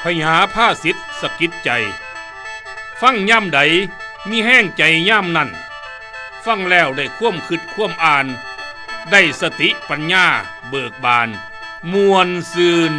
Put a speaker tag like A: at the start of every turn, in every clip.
A: พญาผ้าสิทธิ์สะกิดใจฟังย่ำใดมีแห้งใจย่ำนั่นฟังแล้วได้คว่ำคิดคว่ำอ่านได้สติปัญญาเบิกบานมวลซืน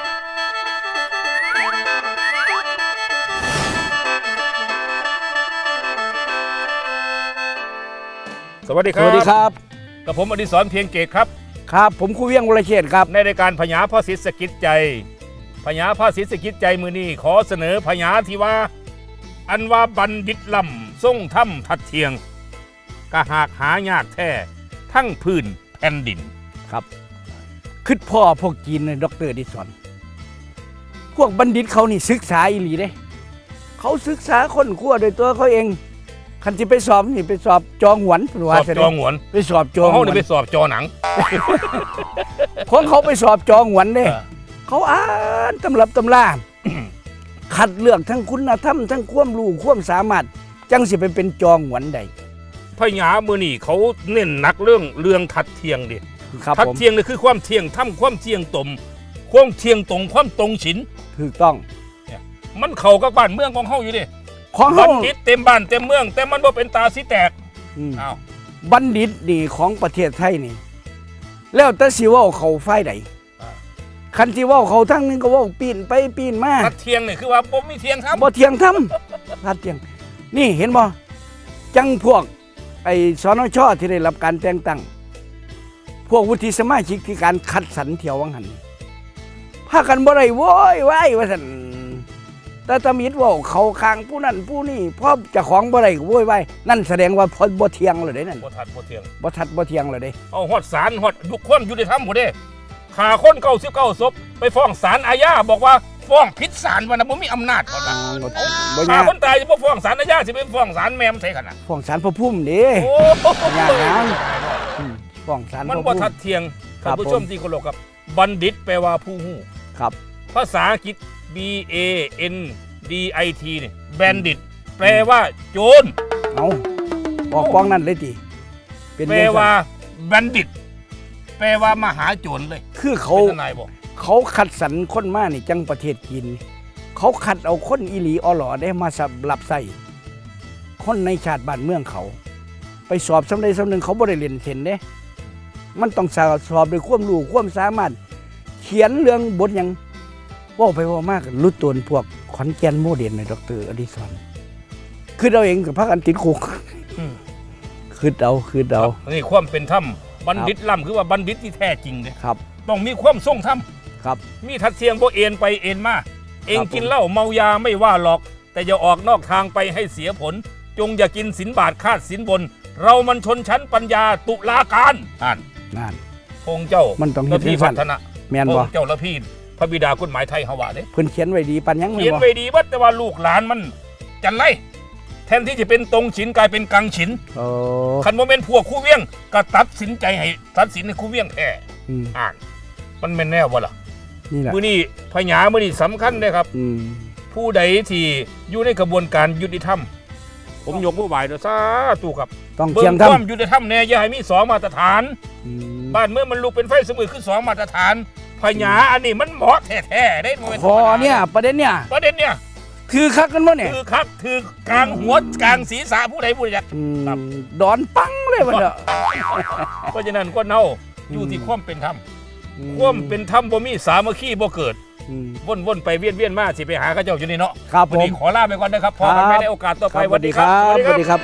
A: สวัสดีครับ
B: สวัสดีครับ
A: กับผมอดิศรเพียงเกตครับ
B: ครับผมครูเวียงวรเชษฐ์ครับ
A: ในรายการพญาผ้าสิทธิ์สะกิดใจพญาผ้าสิทธิ์สะกิดใจมือนี้ขอเสนอพญาที่ว่าอันว่าบัณฑิตลำทรงถ้ำทัดเทียงกะหากหายากแท้ทั้งพื้นแผ่นดิน
B: ครับคิดพ่อพวกจีนดร.ดิสอนพวกบัณฑิตเขานี่ศึกษาอีหลีเด้เขาศึกษาค้นคว้าโดยตัวเขาเองคันที่ไปสอบนี่ไปสอบจองหวนส
A: อบจองหวน
B: ไปสอบจอง
A: เขาเนี่ยไปสอบจอหนัง
B: ของเขาไปสอบจองหวนเด้เขาอ่านตำรับตำราคัดเลือกทั้งคุณธรรมทั้งความรู้ความสามารถจังสิไปเป็นจองหวนใด
A: พญามือนี่เขาเน้นหนักเรื่องทัดเทียงดิทัดเทียงนี่คือความเทียงถ้ำความเทียงตมความเทียงตรงความตรงฉิน
B: ถูกต้อง
A: มันเข้ากับบ้านเมืองของเขาอยู่ดิ
B: ของ
A: บัณฑิตเต็มบ้านเต็มเมืองแต่มันบ่เป็นตาสิแตกอ้าว
B: บัณฑิตนี่ของประเทศไทยนี่แล้วแต่สิว่าเขาฝ่ายใดคันสิว่าเขาทั้งนึงก็ว่าปีนไปปีนมา
A: ทัดเทียงนี่คือว่าบ่มีเทียงทำ
B: บ่เทียงทำทัดเทียงนี่เห็นบ่จังพวกไอ้สนช.ที่ได้รับการแต่งตั้งพวกวุฒิสมาชิกที่การคัดสรรเที่ยววังหันพากันบ่ได้โว้ยว้ายว่าซั่นแต่ตามิดว่าเขาคางผู้นั้นผู้นี้เพราะเจ้าของบ่ได้โว้ยว้ายนั่นแสดงว่าบ่เทียงเลยเด้นั่น
A: บ่ทัดบ่เทียง
B: เลยเด้
A: เอาฮอดศาลฮอดทุกคนอยู่ในธรรมบ่เด้ฆ่าคน99ศพไปฟ้องศาลอาญาบอกว่าฟ้องผิดศาลว่าน่ะบ่มีอำนาจว่าน่ะฆ่าคนตายสิบ่ฟ้องศาลอาญาสิไปฟ้องศาลแม่มใส่กันน่ะ
B: ฟ้องศาลพระภูมิเด้
A: โอ้
B: ยากนานฟ้องศาล
A: มันบ่ทัดเทียงท่านผู้ชมที่เคารพครับบัณฑิตแปลว่าผู้ฮู้
B: ครับ
A: ภาษาอังกฤษ B A N D I T นี่แบนดิตแปลว่าโจร
B: เอาบอกป้องนั่นเลยติ
A: แปลว่าแบนดิตแปลว่ามหาโจรเลย
B: คือเขาคัดสรรคนมานี่จังประเทศจีนเขาคัดเอาคนอีหลีอหลอได้มาสำหรับใส่คนในชาติบ้านเมืองเขาไปสอบสำเร็จสำนึงเขาบ่ได้เรียนเห็นเด้มันต้องสอบด้วยความรู้ความสามารถเขียนเรื่องบทอย่างว่าไปว่ามากรุดตัวพวกขอนแก่นโมเดลในดร.อดิศรคือเราเองกับพรรคอันติดคุกคือเรา
A: นี่ความเป็นธรรมบัณฑิตล่ำคือว่าบัณฑิตที่แท้จริงเลย
B: ครับ
A: ต้องมีความทรงธรรม
B: ครับ
A: มีทัดเทียงบ่เอ็นไปเอ็นมาเองกินเหล้าเมายาไม่ว่าหรอกแต่อย่าออกนอกทางไปให้เสียผลจงอย่ากินสินบาทคาดสินบนเรามันชนชั้นปัญญาตุลาการ
B: นั่น
A: พงเจ้า
B: มันต้อง
A: ละพี่พัฒนะ
B: แม่นบ่
A: พงเจ้าละพี่พระบิดากฎหมายไทยเฮาว่าเด้
B: เพิ่นเขียนไว้ดีปันยัง
A: เขียนไว้ดีแต่ว่าลูกหลานมันจันไรแทนที่จะเป็นตรงฉินกลายเป็นกังฉินคันโมเมนต์พวกคู่เวียงก็ตัดสินใจให้ตัดสินให้คู่เวียงแพ้มันเป็นแนวบ่ล่ะมื้อนี้พญามื้อนี้สำคัญเลยครับผู้ใดที่อยู่ในกระบวนการยุติธรรมผมยกมือไหว้ด้วยสาธุครับ
B: ต้องเทียม
A: ความยุติธรรมแน่อย่าให้มี2มาตรฐานบ้านเมืองมันลุกเป็นไฟสมือคือ2มาตรฐานพญาอันนี้มันเหมาะแท้ๆได้
B: พอเนี่ยประเด็นเนี่ยคือคักกันวะเนี่ย
A: คือคักคือกลางหัวกลางศีรษะผู้ใดผู้ใด
B: ดอนปังเลยวะเนาะ
A: เพราะฉะนั้นก็เน่าอยู่ที่ความเป็นธรรมความเป็นธรรมบ่มีสามัคคีบ่เกิดวนไปเวียนมาสิไปหาข้าเจ้าอยู่นี่เนาะ
B: วันนี้
A: ขอลาไปก่อนนะครับพอกันไม่ได้โอกาสต่อไปสวัสดีครับ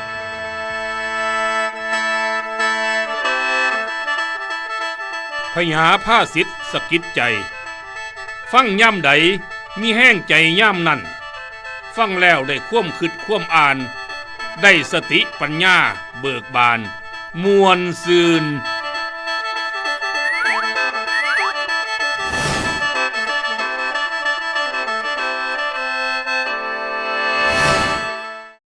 A: พญาผ้าสิทธิ์สะกิดใจฟังย่ำใดมีแห้งใจย่ำนั่นฟังแล้วได้คว่ำคิดคว่ำอ่านได้สติปัญญาเบิกบานมวลซืน